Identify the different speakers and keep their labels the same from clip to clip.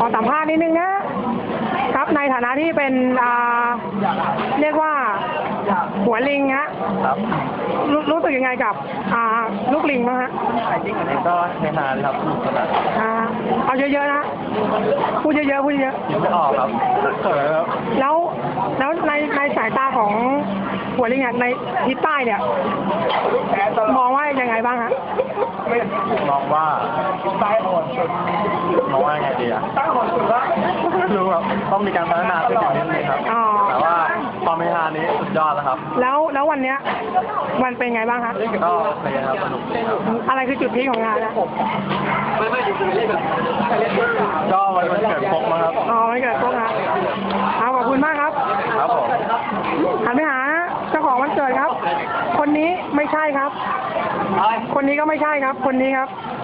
Speaker 1: สัมภาษณ์นิดนึงนะครับในฐานะที่เป็นเรียกว่าหัวลิงฮะรู้สึกยังไงกับลูกลิงบ้างฮะ
Speaker 2: ก็ในฮาเลยครับ
Speaker 1: เอาเยอะๆนะพูดเยอะๆพูดเยอะ
Speaker 2: ๆไม่ออกครับเขินครับ
Speaker 1: แล้วในสายตาของหัวลิงในทิศใต้เนี่ยมองว่ายังไงบ้างฮะ
Speaker 2: มองว่าไงดีอะรู้ครับต้องมีการพัฒนาขึ้นอย่างนี้เลยครับแต่ว่าความเฮฮานี้สุดยอดแล้วครับ
Speaker 1: แล้ววันเนี้ยมันเป็นไงบ้างครับ
Speaker 2: ก็เป็นครับสนุก
Speaker 1: อะไรคือจุดพีคของงานนะ
Speaker 2: ก็วันเกิดพกมาครับ
Speaker 1: วันเกิดพกครับขอบคุณมากครับ
Speaker 2: ครับผม
Speaker 1: หันไปหาเจ้าของวันเกิดครับคนนี้ไม่ใช่ครับคนนี้ก็ไม่ใช่ครับคนนี้ครับ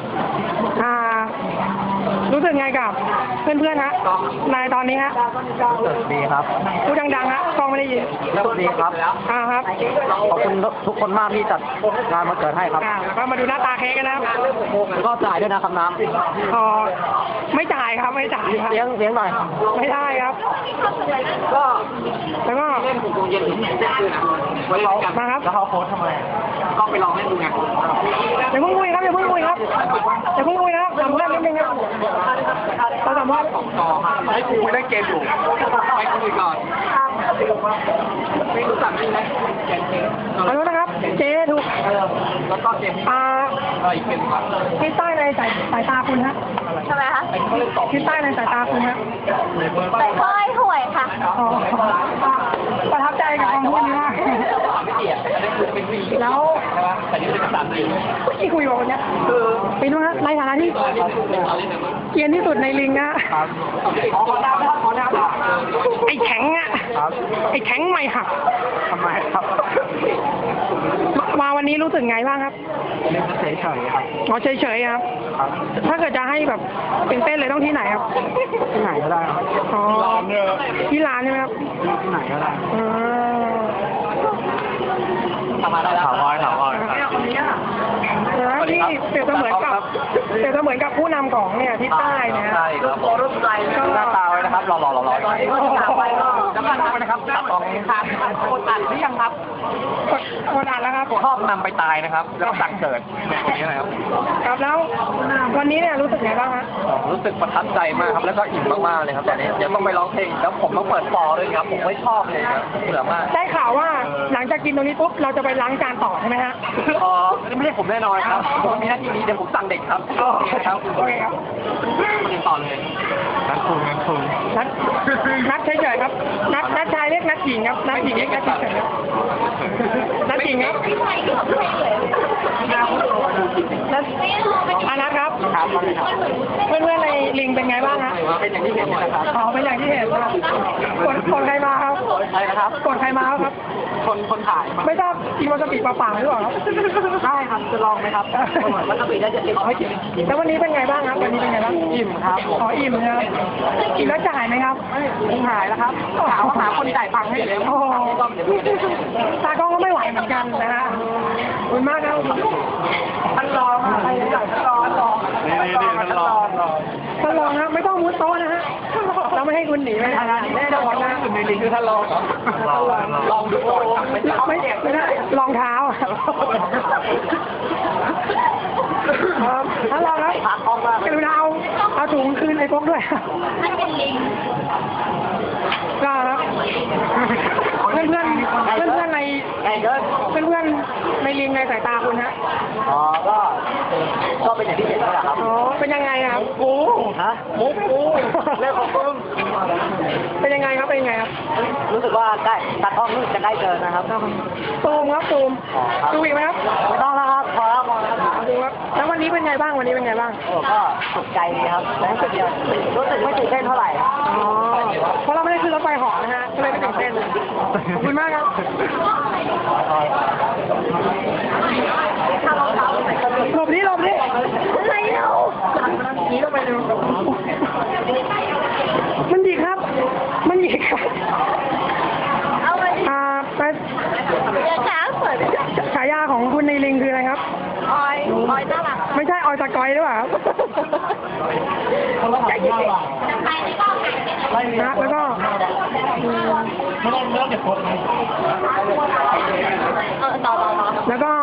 Speaker 1: รู้สึกไงกับเพื่อนๆฮะในตอนนี้ฮะ
Speaker 2: รู้สึกดีครับ
Speaker 1: พูดดังๆฮะกล้องไม่ได้ยิน
Speaker 2: รู้สึกดีครับ
Speaker 1: ครับ
Speaker 2: ขอบคุณทุกคนมากที่จัดงานมาเกิดให้ครับ
Speaker 1: ก็มาดูหน้าตาเค้กกันนะครับ
Speaker 2: ก็จ่ายด้วยนะครับน้ำ
Speaker 1: ไม่จ่ายครับไม่จ่ายครับ
Speaker 2: เลี้ยงหน่อย
Speaker 1: ไม่ได้ครับก็แล้วก็
Speaker 2: เล่นถึงเย็นถึงเที่ยงคืนนะ
Speaker 1: มาครับ
Speaker 2: แล้วเขาโพสทำไมก็ไปลองเล่นดูไง
Speaker 1: อย่าเพิ่งคุยครับอย่าเพิ่งคุยครับอย่าเพิ่งคุยนะครับสัมภาษณ์นิดนึงครับเราสัมภาษณ์
Speaker 2: ให้คุยเล่นเกมอยู่ไปคุยก่อนไม่รู้จักนี่นะ
Speaker 1: ขอโทษนะครับเจ๊ถูก
Speaker 2: แล้วก็เกมอีกเกมครับ
Speaker 1: ที่ใต้ในสายตาคุณฮะ
Speaker 3: ทำไมคะ
Speaker 1: ที่ใต้ในสายตาคุณฮะ
Speaker 3: ใส่ก้อยห่วยค่ะ
Speaker 1: ประทับใจกับคำพูดนี้มากแล้วที่คุยกับคนนี้ไปดูนะในฐานะที่เกรียนที่สุดในลิงนะไอ้แข็งอ่ะไอ้แข็งไม่หัก
Speaker 2: ทำไมครับ
Speaker 1: มาวันนี้รู้สึกไงบ้างครับ
Speaker 2: เฉยครับ
Speaker 1: เฉยครับถ้าเกิดจะให้แบบเป็นเต้นเลยต้องที่ไหนครับ
Speaker 2: ที่ไหนก็ได้ครับ
Speaker 1: ที่ร้านใช่ไหมครับ
Speaker 2: ที่ไหนก็ได้
Speaker 1: ถาม
Speaker 2: อ้อย
Speaker 1: ที่เปรียบเสมือนกับผู้นำของเนี่ยที่ใต้เนี่ย
Speaker 2: ใช่ครับก็หน้าตาไว้นะครับหล่อแล้วก็ทำนะครับตัดออกทางคนอัดหรือยังครับ
Speaker 1: คนอัดแล้วครับ
Speaker 2: ชอบนำไปตายนะครับแล้วก็สั่งเกิดตรงนี้นะครับ
Speaker 1: ครับแล้ววันนี้เนี่ยรู้สึกไงบ้างฮะ
Speaker 2: รู้สึกประทับใจมากครับแล้วก็อิ่มมากๆเลยครับตอนนี้เดี๋ยวต้องไปร้องเพลงแล้วผมต้องเปิดฟอร์ด้วยครับผมไม่ชอบเลยครับเบื่อมาก
Speaker 1: ได้ข่าวว่าหลังจากกินตรงนี้ปุ๊บเราจะไปล้างจานต่อใช่ไหมฮะ
Speaker 2: ไม่ใช่ผมแน่นอนครับผมมีหน้าที่นี้เดี๋ยวผมสั่งเด็กครับครับ
Speaker 1: โอเคครับ
Speaker 2: มาติดต่อเลยนัด
Speaker 1: เฉยๆครับนัดชายเรียกนัดหญิงครับนัดหญิงเรียกนัดเฉยๆนัดหญิงครับนัดครับเพื่อนๆในลิงเป็นไงบ้างฮะ
Speaker 2: เป็นอย่างที่เห็นนะครับ
Speaker 1: เป็นอย่างที่เห็นครับคนใครมาครับ
Speaker 2: ใช่นะครับ
Speaker 1: คนใครมาครับ
Speaker 2: คนถ่าย
Speaker 1: ไม่ทราบกินวาซาบิเปล่าๆหรือเปล่าครับ
Speaker 2: ใช่ครับจะลองไหมครับวาซาบิได้จะเอาให้กิน
Speaker 1: แล้ววันนี้เป็นไงบ้างครับวันนี้เป็นไงบ้าง
Speaker 2: อิ่มครับ
Speaker 1: อิ่มนะครับกินแล้วจ่ายไหมครับ
Speaker 2: ไม่หายแล้วครับหาคนจ่ายตังค์ให้เลย
Speaker 1: ตากล้องก็ไม่ไหวเหมือนกันนะฮะขอบคุณมากครับท่านรองท่านรองนะไม่ต้องมุดโต๊ะนะฮะเราไม่ให้คุณหนีไปนะแน่นอนนะ
Speaker 2: ในลิงคือท่านรองลองดูก่อน
Speaker 1: ไม่ได้รองเท้าท่านรองครับกรุณาเอาถุงคืนไอ้พวกด้วยก็ครับเพื่อนในลิงในสายตาคุณฮะ
Speaker 2: ก็เป็นอย่างที่เห็นนี่แหละครับ
Speaker 1: เป็นยังไงครับ
Speaker 2: มุกกูเรื่องของมึง
Speaker 1: เป็นยังไงครับ
Speaker 2: รู้สึกว่าได้ตัดห้องรู้สึกจะได้เจอนะครับ
Speaker 1: ซูมดูอีกไหมครับ
Speaker 2: ไม่ต้องแล้วครับพอแล้ว
Speaker 1: ดูครับแล้ววันนี้เป็นไงบ้างก็
Speaker 2: สุขใจดีครับรู้สึกไม่ตื่นเต้นเท่าไหร่
Speaker 1: เพราะเราไม่ได้ขึ้นรถไฟเหาะนะฮะก็เลยไม่ตื่นเต้นขอบคุณมากครับหลบดิอะไรเนาะนี่เราไปดูมันหยิกครับ
Speaker 3: เอาไป
Speaker 1: ไปฉายาของคุณในลิงคืออะไรครับ
Speaker 3: ออยน่ารัก
Speaker 1: ไม่ใช่ออยตะกอยหรือเปล่านะแล้วก็
Speaker 2: ไม่ต้องเก็บกด
Speaker 3: ต่อ
Speaker 1: แล้วก็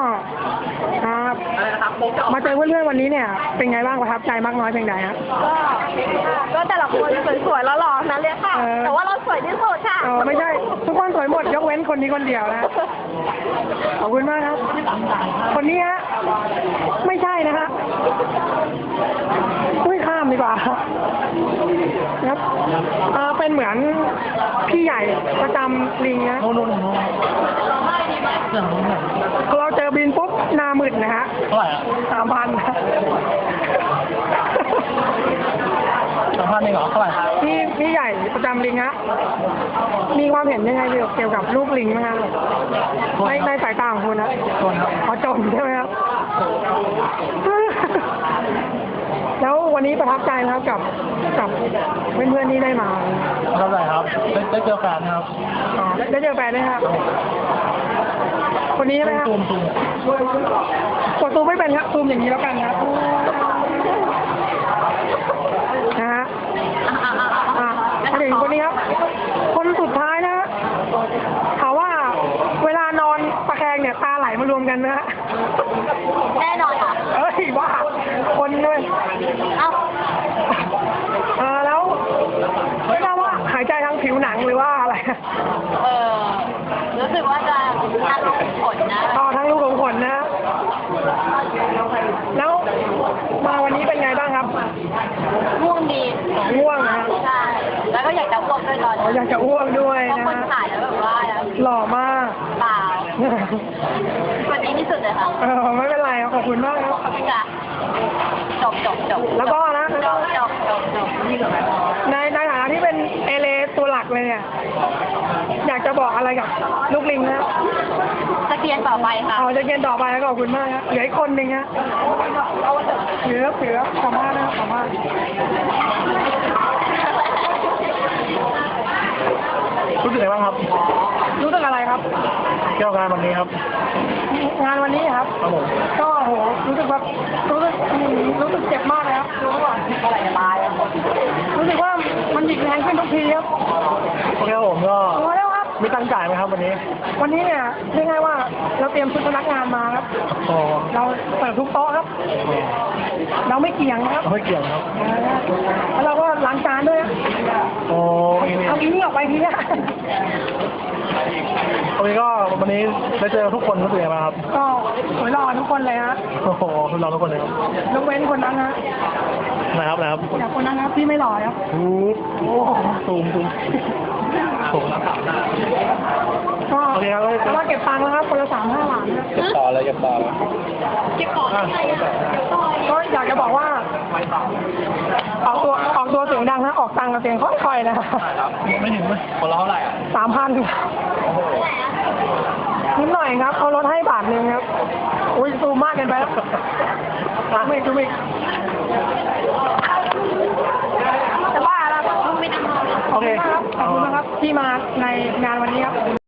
Speaker 1: มาเจอเพื่อนๆวันนี้เนี่ยเป็นไงบ้างประทับใจมากน้อยเพียงใดฮะ
Speaker 3: ก็แต่ละคนสวยๆแล้วหล่อนะเลยค่ะ แต่ว่าเราสวยที่สุดค่ะ
Speaker 1: ไม่ใช่ทุกคนสวยหมดยกเว้นคนนี้คนเดียวนะขอบคุณมากครับ คนนี้ฮะไม่ใช่นะฮะไม่ข้ามดีกว่าครับเป็นเหมือนพี่ใหญ่ประจำลิงนะ
Speaker 2: โน่น
Speaker 1: เราเจอบินปุ๊บหน้ามืดนะฮะ
Speaker 2: เท่าไหร่อ่ะ
Speaker 1: 3,000
Speaker 2: 3,000เองเหรอเท่าไหร่
Speaker 1: พี่ใหญ่ประจำลิงฮะมีความเห็นยังไงเกี่ยวกับลูกลิงไหมครับในสายตาของคุณนะ
Speaker 2: จนครับ
Speaker 1: เขาจนใช่ไหมครับ แล้ววันนี้ประทับใจไหมครับกับเพื่อนๆที่ได้มา
Speaker 2: เท่าไหร่ครับได้เจอแฟนครับ
Speaker 1: ได้เจอแฟนด้วยครับ คนนี้ใช่ไหมครับ
Speaker 2: ซูม
Speaker 1: กดซูมไม่เป็นครับซูมอย่างนี้แล้วกันครับนะฮะมาถึงคนนี้ครับ คนสุดท้ายนะฮะถามว่าเวลานอนตะแคงเนี่ยตาไหลมารวมกันนะฮะ
Speaker 3: แน่นอนค่ะ
Speaker 1: เอ้ยว่าคนด้วย
Speaker 3: เอ้า
Speaker 1: แล้วไม่ทราบว่าหายใจทางผิวหนังหรือว่าอะไร
Speaker 3: รู้สึกว่าจะน่าลงผลนะ
Speaker 1: ทั้งลูกของขนนะ แล้วมาวันนี้เป็นไงบ้างครับ
Speaker 3: ง่วงดี
Speaker 1: ง่วงนะ
Speaker 3: ใช่ แล้วก็อยากจะอ้วกด้วยตอนนี้
Speaker 1: อยากจะอ้วกด้วย
Speaker 3: เพราะ
Speaker 1: นะ
Speaker 3: คนถ่ายแล้วแบบว่า
Speaker 1: หล่อมาก
Speaker 3: เปล่าคนนี้ที่สุดเลยค่ะ
Speaker 1: ไม่เป็นไรครับขอบคุณมากครับ
Speaker 3: ขอบคุณค่ะจบ
Speaker 1: แล้วก็นะ
Speaker 3: จบ
Speaker 1: ในฐานะที่เป็นเอเลตัวหลักเลยเนี่ย อยากจะบอกอะไรกับลูกลิงนะ
Speaker 3: จะเกียนต่อไปค่ะ
Speaker 1: จะเกณฑ์ต่อไปแล้วขอบคุณมากครับเหลืออีกคนหนึ่งฮะเหลือสามารถนะครับสามารถ
Speaker 2: รู้สึกไงบ้างครับ
Speaker 1: รู้สึกอะไรครับ
Speaker 2: เกี่ยวกับงานวันนี้ครับ
Speaker 1: งานวันนี้ครับ
Speaker 2: ครับผม
Speaker 1: ก็โหรู้สึกเจ็บมากเลยครับรู้ว่าอะไรจะตายรู้สึกว่ามันหยิกแรงขึ้นทุกทีครับ
Speaker 2: โอเคครับผมก็
Speaker 1: โอ้แล้วครับ
Speaker 2: มีตังค์จ่ายไหมครับวันนี้
Speaker 1: วันนี้เนี่ยเรียกง่ายว่าเราเตรียมชุดพนักงานมาครับ
Speaker 2: อ๋อ
Speaker 1: เราเปิดทุกโต๊ะครับ เราไม่เกี่ยงนะครับ
Speaker 2: ไม่เกี่ยวครับ
Speaker 1: แล้วเราก็ล้างจานด้วยนะ
Speaker 2: โอ้ย
Speaker 1: เอาอีนี่ออกไปทีนะ
Speaker 2: โอเคก็วันนี้ได้เจอทุกคนรู้สึกยังไงบ้างครับ
Speaker 1: ก็สวยหล่อทุกคนเลยฮะ
Speaker 2: โอ้โหทุกเราทุกคนเลยครับ
Speaker 1: ยกเว้นคนนั้นนะ
Speaker 2: นะครับ
Speaker 1: จากคนนั้นครับที่ไม่หล่อครับ
Speaker 2: โอ้ซูมผม
Speaker 1: ก็
Speaker 2: โอเคครับ
Speaker 1: แล้วก็เก็บตังค์แล้วครับคนละ3-5 ล้านนะ
Speaker 2: เก็บต่อเลย
Speaker 3: เก็บก่อนอะไรอ่ะเก็บก่อน
Speaker 1: ก็อยากจะบอกว่า ออกตัวเสียงดังนะออกตังค์กับเสียงค่อยๆนะ
Speaker 2: ไม่ถึงไหมคนละเท่าไหร่อ่ะ
Speaker 1: 3,000นิดหน่อยครับเขาลดให้1 บาทครับ อุ้ยซูมมากเกินไปแล้วซูมอีก จะบ้าแล้ว
Speaker 3: ไม่ต้องนอน
Speaker 1: ขอบคุณมากครับขอบคุณนะครับที่มาในงานวันนี้ครับ